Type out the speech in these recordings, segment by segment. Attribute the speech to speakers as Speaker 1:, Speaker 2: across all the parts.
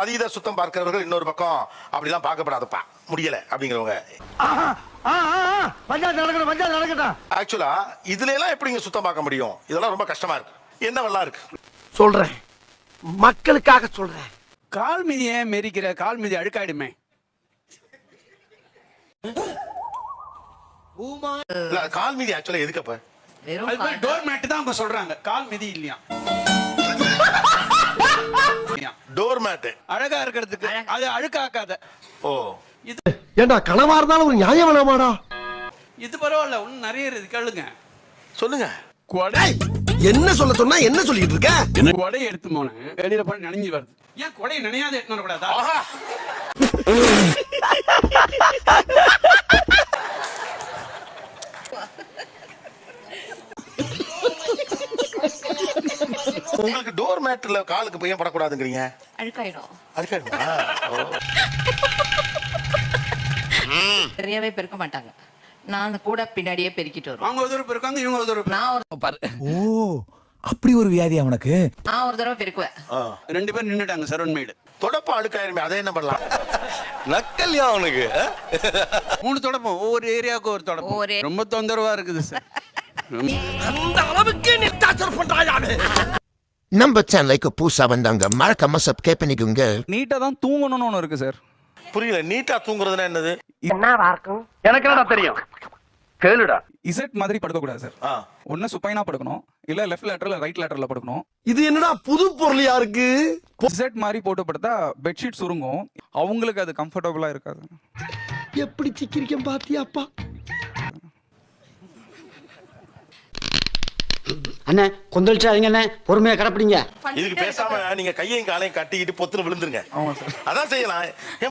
Speaker 1: அதீத சுத்தம் பார்க்கிறவர்கள் இன்னொரு பக்கம் அப்படிலாம் பார்க்கப்படாதப்பா முடியல அப்படிங்கிறவங்க. ஆக்சுவலா இதுல எல்லாம் எப்படிங்க சுத்தம் பார்க்க முடியும்? இதெல்லாம் ரொம்ப கஷ்டமா இருக்கு. என்னவெல்லாம் இருக்கு
Speaker 2: சொல்றேன், மக்களுக்காக சொல்றேன்.
Speaker 3: கால் மிதியை மெரிக்கிற கால் மிதி அழுக்காயிடுமே.
Speaker 1: கால் மீதி ஆக்சுவலா எதுக்கப்ப?
Speaker 3: டோர் மேட் தான் அவங்க சொல்றாங்க, கால் மிதி இல்லையா.
Speaker 1: டோர் மேட்
Speaker 3: அழகா இருக்கிறதுக்கு, அது அழுக்காக்காத.
Speaker 1: ஓ
Speaker 3: இது
Speaker 2: ஏண்டா கனவா இருந்தாலும் ஒரு நியாயம் வேணாமாடா?
Speaker 3: இது பரவாயில்ல, இன்னும் நிறைய இருக்கு, கேளுங்க.
Speaker 1: சொல்லுங்க.
Speaker 3: கொடை
Speaker 2: என்ன சொல்ல சொன்னா என்ன சொல்லிட்டு இருக்க?
Speaker 3: கொடை எடுத்து போனேன், வெளியில போய் நனைஞ்சு வருது. ஏன் கொடை நனையாத எடுத்து வரக்கூடாதா?
Speaker 1: உங்களுக்கு டோர் மேட்ல காலுக்கு பையன் படக்கூடாதுங்கிறீங்க.
Speaker 4: அழுக்காயிடும்.
Speaker 1: அழுக்காயிடுமா?
Speaker 4: நிறையவே பெருக்க மாட்டாங்க. நான் கூட பின்னாடியே பெருக்கிட்டு வருவேன்.
Speaker 3: அவங்க ஒரு தடவை பெருக்காங்க, இவங்க ஒரு தடவை.
Speaker 5: ஓ, அப்படி ஒரு வியாதி அவனுக்கு.
Speaker 4: நான் ஒரு தடவை பெருக்குவேன்.
Speaker 3: ரெண்டு பேரும் நின்னுட்டாங்க சரவண் மேடு.
Speaker 1: தொடப்ப அழுக்காயிருமே, அதை என்ன பண்ணலாம்?
Speaker 2: நக்கல்யா அவனுக்கு.
Speaker 3: 3 தொடப்பம், ஒவ்வொரு ஏரியாவுக்கு ஒரு தொடப்பம். ரொம்ப தொந்தரவா இருக்குது சார்.
Speaker 2: அந்த அளவுக்கு நீ டார்ச்சர் பண்றாயானே.
Speaker 6: நம்ம சேனலுக்கு புதுசா வந்தாங்க, மறக்காம சப்ஸ்கிரைப் பண்ணிக்கோங்க.
Speaker 7: நீட்டா தான் தூங்கணும்னு ஒண்ணு இருக்கு சார்.
Speaker 1: புரியல, நீட்டா தூங்குறதுன்னா என்னது?
Speaker 2: என்னவா இருக்கும்? எனக்கு என்னடா தெரியும், கேளுடா.
Speaker 7: இசட் மாதிரி படுக்க கூடாது சார். ஒண்ணு சுப்பைனா படுக்கணும், இல்ல லெஃப்ட் லேட்டரல் ரைட் லேட்டரல்ல படுக்கணும்.
Speaker 2: இது என்னடா புது பொருளியா இருக்கு?
Speaker 7: இசட் மாதிரி போட்டு படுத்தா பெட்ஷீட் சுருங்கும், அவங்களுக்கு அது கம்ஃபர்டபுளா இருக்காது.
Speaker 2: எப்படி சிக்கிரிக்கம் பாத்தியாப்பா?
Speaker 8: அண்ணே கொந்தளிச்சாதீங்க அண்ணே, பொறுமையா கடப்பிடிங்க.
Speaker 1: இதுக்கு பேசாம நீங்க கையையும் காலையும் கட்டிக்கிட்டு பொத்துன்னு விழுந்துருங்க. அதான் செய்யலாம்.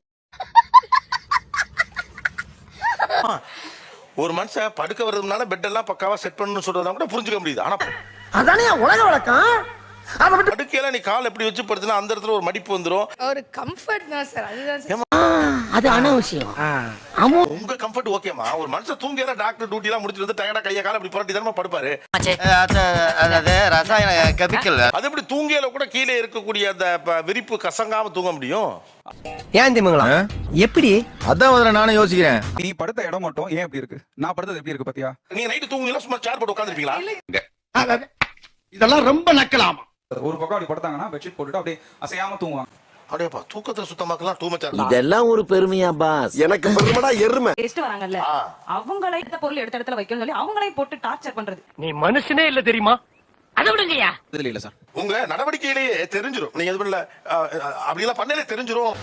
Speaker 1: ஒரு மனுஷன் படுக்க வர்றதுனால பெட் எல்லாம் பக்காவா செட் பண்ணணும்னு சொல்றதா கூட புரிஞ்சுக்க முடியுது. ஆனா
Speaker 2: அதானே உலக வழக்கம். அத விட்டு
Speaker 1: படுக்கையில நீ கால் எப்படி வச்சு படுத்துனா அந்த இடத்துல ஒரு மடிப்பு வந்துரும்.
Speaker 4: ஒரு கம்ஃபர்ட் தான் சார், அதுதான்.
Speaker 8: அது அனாவசியம்.
Speaker 1: உங்க கம்ஃபர்ட் ஓகேமா? ஒரு மனுஷன் தூங்கிற டாக்டர் டியூட்டி எல்லாம் முடிச்சிட்டு வந்து டயர்டா கைய கால இப்படி புரட்டி தானே படுப்பாரு.
Speaker 2: அதாவது ரசாயன கெமிக்கல்.
Speaker 1: அது எப்படி தூங்கியல கூட கீழே இருக்கக்கூடிய அந்த விரிப்பு கசங்காம தூங்க முடியும்?
Speaker 2: ஏன் திமுங்களா எப்படி?
Speaker 5: அதான் முதல்ல நானும் யோசிக்கிறேன்.
Speaker 7: நீ படுத்த இடம் மட்டும் ஏன் எப்படி இருக்கு, நான் படுத்தது எப்படி இருக்கு பாத்தியா?
Speaker 1: நீங்க நைட்டு தூங்குனீங்களா சும்மா சேர் போட்டு உட்கார்ந்திருப்பீங்களா?
Speaker 2: இதெல்லாம் ரொம்ப நக்கலாமா?
Speaker 7: ஒரு பக்கம் அப்படி படுத்தாங்கன்னா பெட்ஷீட் போட்டுட்டு அப்படியே அசையாம தூங்குவாங்க.
Speaker 1: அப்படியேப்பா தூக்கத்தை சுத்தமாக்கலாம் டூ மச்.
Speaker 6: இதெல்லாம் ஒரு பெருமையா பாஸ்?
Speaker 2: எனக்கு பெருமைடா எருமை.
Speaker 9: டெஸ்ட் வராங்கல்ல, அவங்களே இந்த பொருள் எடுத்த இடத்துல வைக்கணும்னு சொல்லி அவங்களே போட்டு டார்ச்சர் பண்றது.
Speaker 2: நீ மனுஷனே இல்ல தெரியுமா? அத விடுங்கயா.
Speaker 7: இதுல இல்ல சார்,
Speaker 1: உங்க நடவடிக்கையிலேயே தெரிஞ்சிரும். நீங்க எது பண்ணல அப்படி எல்லாம் பண்ணலே தெரிஞ்சிரும்.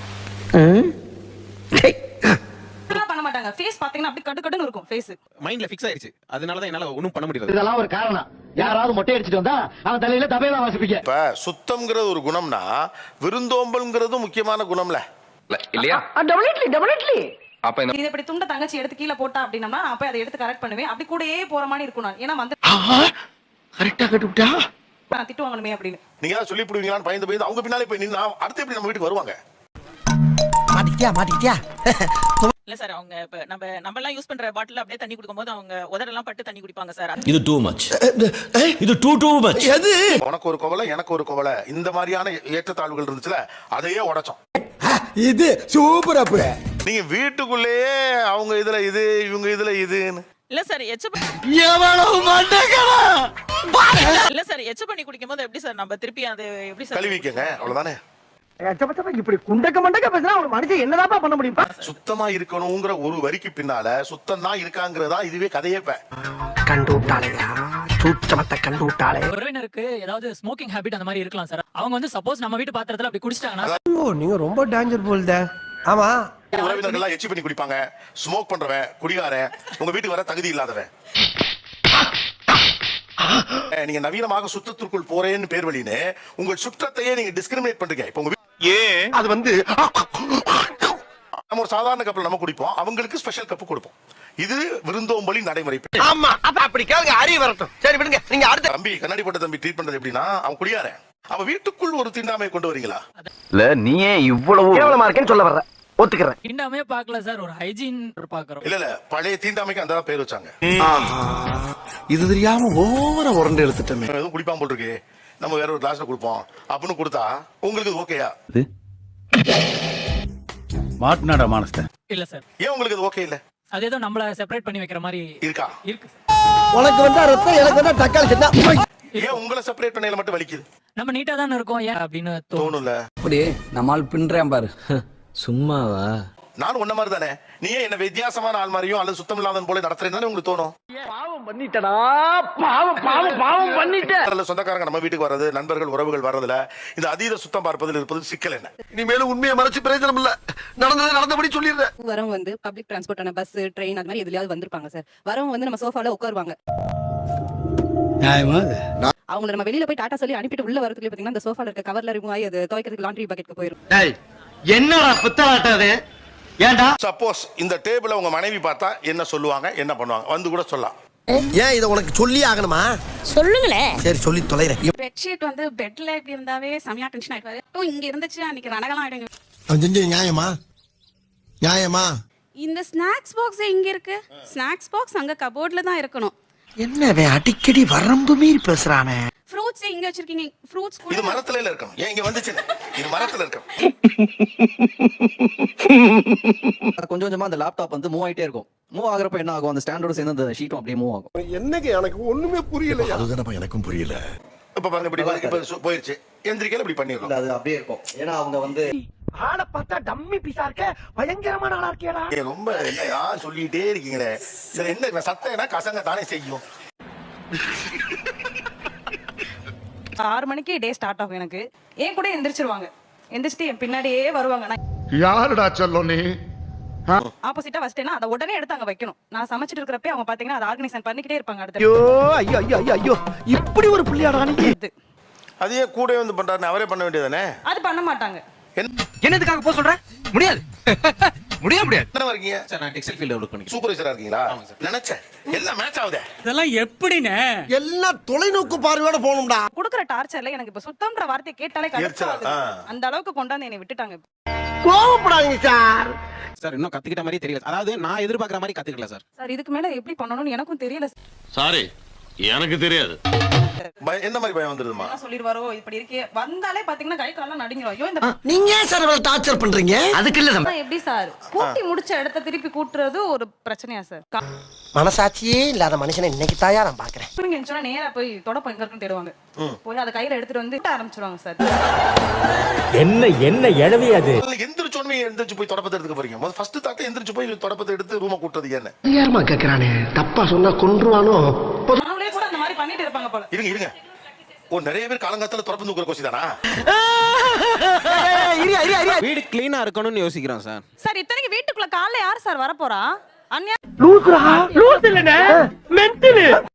Speaker 9: பண்ண மாட்டாங்க. ஃபேஸ் பாத்தீங்கன்னா அப்படி கட்டு கட்டுன்னு இருக்கும் ஃபேஸ்.
Speaker 5: மைண்ட்ல ஃபிக்ஸ் ஆயிருச்சு, அதனால தான் என்னால ஒண்ணும் பண்ண முடியாது.
Speaker 8: இதெல்லாம் ஒரு காரணம். யாராவது மொட்டை அடிச்சிட்டு வந்தா அவன் தலையில தபையெல்லாம் வாசிப்பீங்க.
Speaker 1: இப்ப சுத்தம்ங்கிறது ஒரு குணம்னா விருந்தோம்பல்ங்கிறது முக்கியமான குணம்ல
Speaker 5: இல்லையா?
Speaker 8: டெபினெட்லி.
Speaker 5: அப்ப
Speaker 9: இது இப்படி துண்ட தங்கச்சி எடுத்து கீழே போட்டா அப்படின்னா நான் போய் அதை எடுத்து கரெக்ட் பண்ணுவேன். அப்படி கூடயே போற மாதிரி இருக்கும் நான். ஏன்னா வந்து
Speaker 2: கரெக்ட்டா கட்டுட்டா
Speaker 9: நான் திட்டு வாங்கணுமே அப்படின்னு.
Speaker 1: நீங்க ஏதாவது சொல்லி போடுவீங்களான்னு பயந்து அவங்க பின்னாலே போய் நின்னா அடுத்து எப்படி நம்ம வீட்டுக்கு வருவாங்க?
Speaker 2: மாட்டிக்கிட்டியா?
Speaker 9: இல்ல சார், அவங்க இப்ப நம்ம எல்லாம் யூஸ் பண்ற பாட்டில் அப்படியே தண்ணி குடிக்கும்போது அவங்க உதடெல்லாம் பட்டு தண்ணி குடிப்பாங்க சார்.
Speaker 6: இது டூ மச், இது டூ மச்.
Speaker 2: எது?
Speaker 1: உனக்கு ஒரு கோவலை எனக்கு ஒரு கோவலை, இந்த மாதிரியான ஏற்றத்தாழ்வுகள் இருந்துச்சுல அதையே உடைச்சோம்.
Speaker 2: இது சூப்பர். அப்ப
Speaker 1: நீங்க வீட்டுக்குள்ளேயே அவங்க இதுல இது இவங்க இதுல இதுன்னு
Speaker 9: இல்ல சார்,
Speaker 2: எவ்வளவு மண்டகடா.
Speaker 9: இல்ல சார், எச்ச பண்ணி குடிக்கும்போது எப்படி சார் நம்ம திருப்பி அது எப்படி சார்
Speaker 1: கழுவிக்கங்க, அவ்வளவுதானே.
Speaker 2: இப்படி குண்டக்க மண்டக்க பேசினா ஒரு மனுஷன் என்னதாப்பா பண்ண முடியும்?
Speaker 1: சுத்தமா இருக்கணுங்கிற ஒரு வரிக்கு பின்னால சுத்தம் தான் இருக்காங்கிறதா இதுவே கதையே.
Speaker 2: கண்டு விட்டாளையா, சூச்சமத்தை கண்டு விட்டாளே.
Speaker 9: உறவினருக்கு ஏதாவது ஸ்மோக்கிங் ஹேபிட் அந்த மாதிரி இருக்கலாம் சார். அவங்க வந்து சப்போஸ் நம்ம வீட்டு பாத்திரத்துல அப்படி குடிச்சிட்டாங்கன்னா
Speaker 2: ஓ, நீங்க ரொம்ப டேஞ்சர் போல்த. ஆமா,
Speaker 1: உறவினர்கள் எச்சி பண்ணி குடிப்பாங்க. ஸ்மோக் பண்றவன் குடிகாரன் உங்க வீட்டுக்கு வர தகுதி இல்லாதவன். நீங்க நவீனமாக சுத்தத்திற்குள் போறேன்னு பேர் வழின்னு உங்கள் சுற்றத்தையே நீங்க டிஸ்கிரிமினேட் பண்றீங்க. இப்ப உங்க
Speaker 2: ஏன் அது வந்து
Speaker 1: நம்ம ஒரு சாதாரண கப்பில் நம்ம குடிப்போம், அவங்களுக்கு ஸ்பெஷல் கப்பு கொடுப்போம். இது விருந்தோம்பலி நடைமுறை.
Speaker 2: ஆமா, அப்படி கேளுங்க, அறிய வரட்டும். சரி விடுங்க, நீங்க அடுத்த
Speaker 1: தம்பி கண்ணாடி போட்ட தம்பி ட்ரீட் பண்றது எப்படின்னா அவன் குடியாரன், அவன் வீட்டுக்குள் ஒரு தீண்டாமையை கொண்டு வரீங்களா?
Speaker 5: இல்ல நீயே இவ்வளவு
Speaker 2: கேவலமா இருக்கேன்னு சொல்ல வர்ற, ஒத்துக்கிறேன்.
Speaker 9: தீண்டாமே பார்க்கல சார், ஒரு ஹைஜீன் பாக்குறோம்.
Speaker 1: இல்ல பழைய தீண்டாமைக்கு அந்த பேர் வச்சாங்க.
Speaker 2: இது தெரியாம ஓவரா உரண்டு எடுத்துட்டோமே.
Speaker 1: எதுவும் குடிப்பான் போல் இருக்கு, நம்ம வேற ஒரு கிளாஸ்ல கொடுப்போம் அப்படின்னு கொடுத்தா உங்களுக்கு ஓகேயா?
Speaker 3: மாட்டினாடா மானஸ்த.
Speaker 10: இல்ல சார்,
Speaker 1: ஏன் உங்களுக்கு இது ஓகே இல்ல
Speaker 10: அது ஏதோ நம்மள செப்பரேட் பண்ணி வைக்கிற மாதிரி
Speaker 1: இருக்கா?
Speaker 10: இருக்கு.
Speaker 2: உனக்கு வந்தா ரத்தம், எனக்கு வந்தா தக்காளி சட்னா.
Speaker 1: ஏன் உங்களை செப்பரேட் பண்ணையில மட்டும் வலிக்குது?
Speaker 10: நம்ம நீட்டா தானே இருக்கோம் ஏன் அப்படின்னு
Speaker 1: தோணும்ல.
Speaker 5: அப்படி நம்மால் பின்றேன் பாரு. சும்மாவா?
Speaker 1: நானும் உன்ன மாதிரி தானே. நீ ஏன் என்ன வித்தியாசமான ஆள் மாதிரியும் அல்லது சுத்தம் இல்லாதவன் போல நடத்துறேன்னு உங்களுக்கு தோணும்.
Speaker 2: பாவம் பண்ணிட்டடா, பாவம் பாவம் பாவம் பண்ணிட்ட.
Speaker 1: சொந்தக்காரங்க நம்ம வீட்டுக்கு வர்றது, நண்பர்கள் உறவுகள் வர்றதுல இந்த அதீத சுத்தம் பார்ப்பதில் இருப்பது சிக்கல் என்ன?
Speaker 2: இனிமேலும் உண்மையை மறைச்சு பிரயோஜனம் இல்ல. நடந்தது நடந்தபடி சொல்லிடுறேன்.
Speaker 4: வரவங்க வந்து பப்ளிக் டிரான்ஸ்போர்ட்டான பஸ், ட்ரெயின் அது மாதிரி எதுலயாவது வந்திருப்பாங்க சார். வரவங்க வந்து நம்ம சோஃபால உட்காருவாங்க. அவங்கள நம்ம வெளியில போய் டாடா சொல்லி அனுப்பிட்டு உள்ள வரதுக்குள்ள பாத்தீங்கன்னா அந்த சோஃபால இருக்க கவர்ல ரிமூவ் ஆகி அது துவைக்கிறதுக்கு லாண்ட்ரி பக்கெட்க்கு போயிடும்.
Speaker 8: என்னடா புத்தாட்டாது? ஏன்டா?
Speaker 1: சப்போஸ் இந்த டேபிள உங்க மனைவி பார்த்தா என்ன சொல்லுவாங்க, என்ன பண்ணுவாங்க? வந்து கூட சொல்லலாம்.
Speaker 2: ஏன் இத உனக்கு சொல்லி ஆகணுமா?
Speaker 11: சொல்லுங்களேன்.
Speaker 2: சரி சொல்லி தொலைறேன்.
Speaker 9: பெட்ஷீட் வந்து பெட்ல இப்படி இருந்தாவே செமையா டென்ஷன் ஆயிடுவாரு. இங்க இருந்துச்சு அன்னைக்கு ரணகலாம் ஆயிடுங்க.
Speaker 2: கொஞ்சம் நியாயமா? நியாயமா?
Speaker 9: இந்த ஸ்நாக்ஸ் பாக்ஸ் எங்க இருக்கு? ஸ்நாக்ஸ் பாக்ஸ் அங்க கபோர்ட்ல தான் இருக்கணும்.
Speaker 2: என்னவே அடிக்கடி வரம்பு மீறி பேசுறானே.
Speaker 9: ஃப்ரூட்ஸ் எங்க வச்சிருக்கீங்க? ஃப்ரூட்ஸ்
Speaker 1: இது மரத்துல இருக்கணும். ஏன் இங்க வந்துச்சு? இது மரத்துல இருக்கணும்.
Speaker 7: கொஞ்சம் கொஞ்சமா அந்த லேப்டாப் வந்து மூவ் ஆயிட்டே இருக்கும். மூவ் ஆகுறப்ப என்ன ஆகும், அந்த ஸ்டாண்டோட சேர்ந்து அந்த ஷீட்டும் அப்படியே மூவ் ஆகும்.
Speaker 2: என்னங்க எனக்கு ஒண்ணுமே புரியல.
Speaker 6: அதுதானப்பா எனக்கும் புரியல.
Speaker 1: இப்ப பாருங்க, இப்படி இப்ப போயிருச்சு. எந்திரிக்கல இப்படி பண்ணிடலாம்.
Speaker 7: அது அப்படியே இருக்கும். ஏன்னா அவங்க வந்து
Speaker 2: ஆளை பார்த்தா டம்மி பீஸா இருக்க, பயங்கரமான ஆளா இருக்கேடா.
Speaker 1: ரொம்ப என்னையா சொல்லிட்டே இருக்கீங்களே. சரி, என்ன சத்தம்னா கசங்க தானே செய்யும்.
Speaker 9: 6 மணிக்கு டே ஸ்டார்ட் ஆகும் எனக்கு. ஏன் கூட எந்திரிச்சிருவாங்க. எந்திரிச்சிட்டு என் பின்னாடியே வருவாங்க. நான்
Speaker 6: யாருடா சொல்லும் நீ?
Speaker 9: ஆப்போசிட்டா வச்சிட்டேன்னா அதை உடனே எடுத்து அங்க வைக்கணும். நான் சமைச்சிட்டு இருக்கிறப்ப அவங்க பாத்தீங்கன்னா அதை ஆர்கனைசேஷன் பண்ணிக்கிட்டே இருப்பாங்க. அடுத்து
Speaker 2: ஐயோ ஐயோ ஐயோ ஐயோ, இப்படி ஒரு புள்ளியாடா நீ.
Speaker 1: அதையே கூட வந்து பண்றாரு, அவரே பண்ண வேண்டியதானே.
Speaker 9: அது பண்ண மாட்டாங்க.
Speaker 5: என்னதுக்காக போக சொல்ற? முடியாது. முடியாது.
Speaker 1: என்ன இருக்கீங்க
Speaker 3: சார் நான் டெக்ஸ்டைல் ஃபீல்ட்ல வர்க் பண்ணிக்கிறேன்.
Speaker 1: சூப்பர்வைசரா இருக்கீங்களா? நினைச்சேன் எல்லாம் மேட்ச் ஆகுதே.
Speaker 10: இதெல்லாம் எப்படினே
Speaker 2: எல்லாம் தொலைநோக்கு பார்வையோட போகணும்டா.
Speaker 9: குடுக்குற டார்ச்சர்ல எனக்கு இப்ப சுத்தம்ன்ற வார்த்தையை கேட்டாலே கடுப்பாகுது. அந்த அளவுக்கு கொண்டாந்து என்னை விட்டுட்டாங்க.
Speaker 2: கோவப்படாதீங்க சார்.
Speaker 3: சார் இன்னும் கத்துக்கிட்ட மாதிரி தெரியல. அதாவது நான் எதிர்பார்க்குற மாதிரி கத்துக்கல சார்.
Speaker 9: சார் இதுக்கு மேல எப்படி பண்ணணும்னு எனக்கும் தெரியல.
Speaker 6: சாரி, எனக்கு தெரியாது.
Speaker 1: எந்த மாதிரி பயம் வந்துருதுமா?
Speaker 9: என்ன சொல்லிடுவாரோ இப்படி இருக்கே. வந்தாலே பாத்தீங்கன்னா கை கால்லாம் நடுங்கிரும். ஐயோ இந்த
Speaker 2: நீங்க ஏன் சார் இவ்வளவு டார்ச்சர் பண்றீங்க? அதுக்கு இல்ல
Speaker 9: பக்கம் எப்படி சார் கூட்டி முடிச்ச இடத்த திருப்பி கூட்டுறது ஒரு பிரச்சனையா சார்?
Speaker 2: மனசாட்சியே இல்லாத மனுஷனை இன்னைக்கு தாயா நான் பாக்குறேன்.
Speaker 9: நீங்க சொன்னா நேரா போய் தொடப்பம் எங்க இருக்குன்னு தேடுவாங்க. போய் அதை கையில எடுத்துட்டு வந்து ஆரம்பிச்சிருவாங்க சார்.
Speaker 5: என்ன எழவி அது?
Speaker 1: எந்திரிச்சோன்னு எந்திரிச்சு போய் தொடப்பத்தை எடுத்துக்க போறீங்க. முதல்ல ஃபர்ஸ்ட் தாக்க எந்திரிச்சு போய் தொடப்பத்தை எடுத்து ரூமை கூட்டுறது என்ன?
Speaker 2: யாருமா கேக்குறானே? தப்பா சொன்னா கொன்றுவானோ.
Speaker 9: அவங்களே கூட அந்த மாதிரி பண்ணிட்டு இருப்பாங்க போல.
Speaker 1: இருங்க. நிறைய பேர் காலங்காலத்துல தொடப்பு தூக்குற கோசி தானா?
Speaker 3: வீடு கிளீனா இருக்கணும்னு யோசிக்கிறோம் சார்.
Speaker 9: சார் இத்தனைக்கு வீட்டுக்குள்ள காலைல யார் சார் வரப்போறா? அன்யா
Speaker 2: லூசுரா? லூசு இல்லனே, மென்டல்.